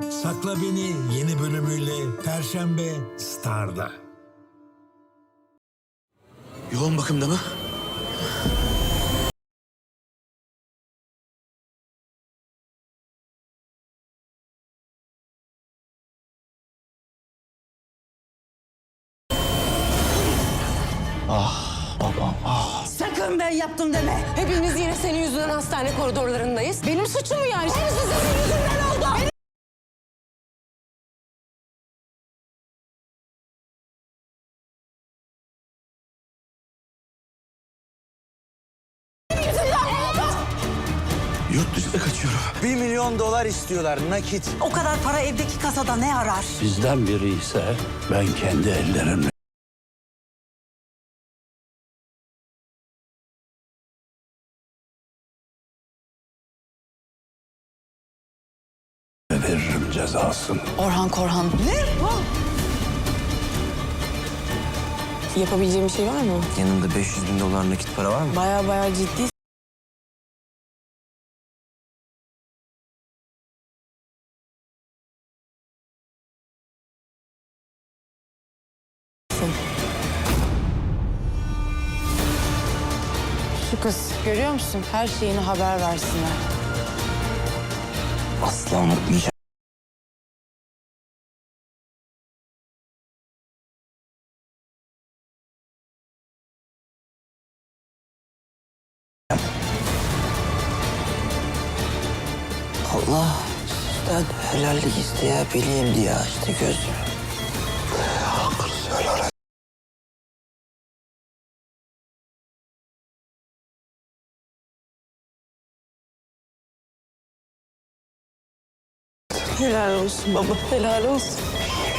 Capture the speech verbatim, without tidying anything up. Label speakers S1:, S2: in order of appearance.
S1: Sakla Beni yeni bölümüyle Perşembe Star'da.
S2: Yoğun bakımda mı? Ah babam ah.
S3: Sakın ben yaptım deme.
S4: Hepimiz yine senin yüzünden hastane koridorlarındayız. Benim suçum mu yani?
S3: Hepsi senin yüzünden oldu.
S2: Yurt dışına kaçıyorum.
S5: Bir milyon dolar istiyorlar nakit.
S3: O kadar para evdeki kasada ne arar?
S6: Bizden biri ise ben kendi ellerimle veririm cezasını.
S4: Orhan Korhan. Ne? Yapabileceğim bir şey var mı?
S2: Yanında beş yüz bin dolar nakit para var mı?
S4: Baya baya ciddi. Şu kız görüyor musun? Her şeyini haber versinler.
S2: Asla unutmayacağım. Allah sizden helallik isteyebileyim diye açtı gözümü. Hakkınızı helal et.
S4: Helal olsun baba, helal olsun.